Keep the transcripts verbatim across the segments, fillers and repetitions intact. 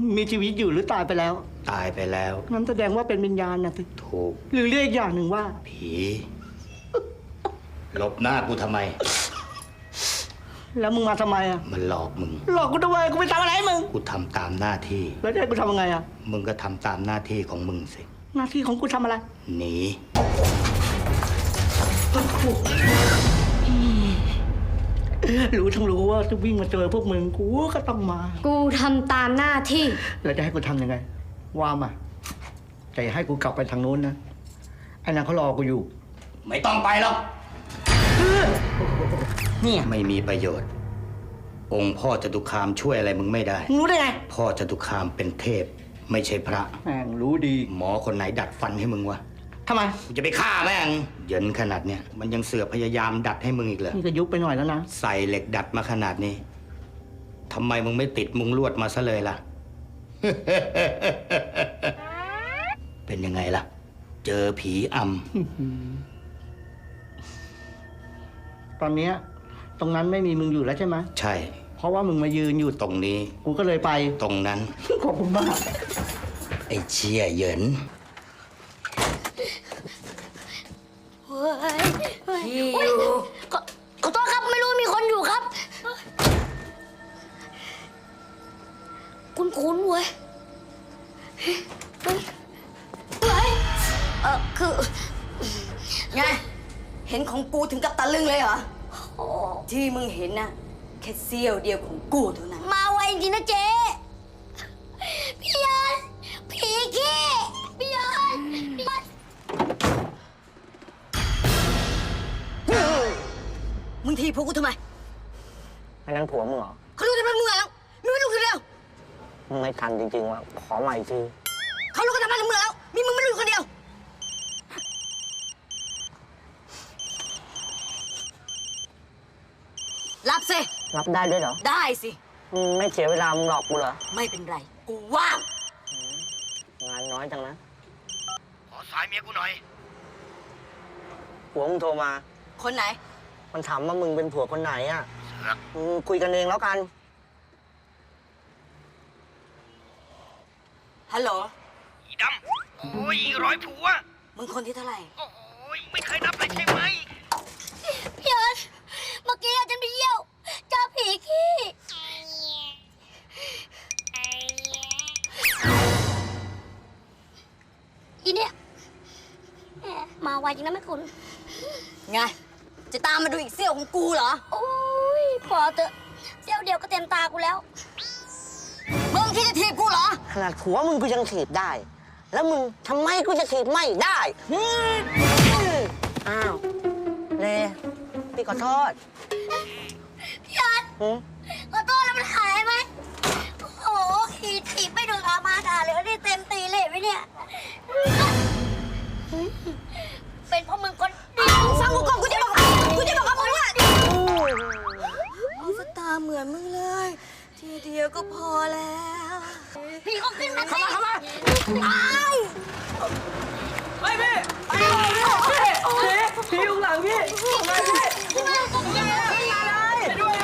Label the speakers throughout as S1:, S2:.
S1: มีชีวิตอยู่หรือตายไปแล้ว
S2: ตายไปแล้ว
S1: งั้นแสดงว่าเป็นวิญญาณนะสิ
S2: ถูก
S1: หรือเรียกอีกอย่างหนึ่งว่า
S2: ผีหลบหน้ากูทำไม
S1: แล้วมึงมาทำไมอ่ะ
S2: มันหลอกมึง
S1: หลอกกูทำไมกูไปทำอะไรมึง
S2: กูทำตามหน้าที่
S1: แล้วจะให้กูทำยังไงอ่ะ
S2: มึงก็ทำตามหน้าที่ของมึงสิ
S1: หน้าที่ของกูทำอะไร
S2: หนี
S1: รู้ทั้งรู้ว่าจะวิ่งมาเจอพวกมึงกูก็ต้องมา
S3: กูทำตามหน้าที่
S1: แล้วจะให้กูทำยังไงว่ามาแต่ให้กูกลับไปทางนู้นนะไอ้นางเขารอกูอยู่
S2: ไม่ต้องไปหรอก
S1: เนี่ย
S2: ไม่มีประโยชน์องค์พ่อจตุคามช่วยอะไรมึงไม่ได้
S1: รู้ได้ไง
S2: พ่อจตุคามเป็นเทพไม่ใช่พระ
S1: แม่งรู้ดี
S2: หมอคนไหนดัดฟันให้มึงวะ
S1: ทำไม
S2: กูจะไปฆ่าแม่งเยินขนาดเนี้ยมันยังเสือกพยายามดัดให้มึงอีกเหรอ
S1: นี่ก็ยุบไปหน่อยแล้วนะ
S2: ใส่เหล็กดัดมาขนาดนี้ทำไมมึงไม่ติดมุงลวดมาซะเลยล่ะ เป็นยังไงล่ะเจอผีอ
S1: ำตอนเนี้ยตรงนั้นไม่มีมึงอยู่แล้วใช่ไหม
S2: ใช่
S1: เพราะว่ามึงมายืนอยู่
S2: ตรงนี้
S1: กูก็เลยไป
S2: ตรงนั้น
S1: ขอบคุณมาก
S2: ไอ้เชี่ยเหยิน
S3: พี่อยู่ขอโทษครับไม่รู้มีคนอยู่ครับคุ้นๆเว้ยเฮ้ยเออคือไงเห็นของกูถึงกับตะลึงเลยเหรอที่มึงเห็นนะแค่เสี้ยวเดียวของกูเท่านั้นมาไวจริงนะเจ๊พี่ยันผีขี้พี่ยันมึงทีพวกกูทำไม
S1: อันนั้นผัวมึงเหรอ
S3: เขารู้แต่เป็นมึงแล้วมึงไม่รู้คนเดียว
S1: มึงไม่ทันจริงๆว่ะขอใหม่ที
S3: เขารู้กันทำไมถึงมึงแล้วมีมึงไม่รู้คนเดียวรับสิ
S1: รับได้ด้วยเหรอ
S3: ได้สิ
S1: มึงไม่เสียเวลามึงหลอกกูเหรอ
S3: ไม่เป็นไรกูว่าง
S1: งานน้อยจังนะ
S2: ขอสายเมียกูหน่อย
S1: ผัวมึงโทรมา
S3: คนไหน
S1: มันถามว่ามึงเป็นผัวคนไหนอ่ะมึงคุยกันเองแล้วกัน
S3: ฮัลโหล
S2: อีดำโอ้ยร้อยผัว
S3: มึงคนที่เท่าไหร่
S2: โอ้ยไม่เคยนับเลยใช่ไหม
S3: พี่เอิร์ธเมื่อกี้อาจารย์ไปเยี่ยวเจอผีขี้อีเนี่ยมาไวจริงนะแม่คุณไงจะตามมาดูอีกเสี้ยวของกูเหรอโอ้ยพอเถอะเสี้ยวเดียวก็เต็มตากูแล้วมึงคิดจะถีบกูเหรอ
S1: ขนาดผัวมึงกูยังถีบได้แล้วมึงทำไมกูจะถีบไม่ได้อ้าวเลพี่ขอโทษ
S3: พี่ยันขอโทษแล้วมันหายไหมโอ้โหขีดถีบไม่โดนอามาด่าเลยนี่เต็มตีเลยไหมเนี่ยเป็นเพราะมึงคนเดียวฟังกูก่อนกูจะบอกกูจะบอกกับมึงว่าเอาสตาร์เหมือนมึงเลยทีเดียวก็พอแล้วพี่เขาขึ้นมาเข้ามาเข้ามาไอ้
S1: ไปพี่ไปพี่พี่พี่อยู่หลังพี่มาพี่พี่มาตรงนี้มาเลยไปด้วย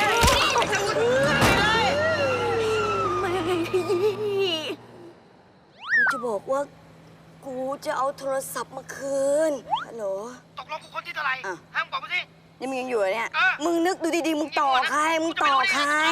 S3: กูจะบอกว่ากูจะเอาโทรศัพท์มาคืนฮัลโหล
S2: ตกลงกูคนที่เท่าไหร่ห้ามบอกมาสิ
S3: นี่มึงยังอยู่เนี่ยมึงนึกดูดีๆมึงต่อใครมึงต่อใคร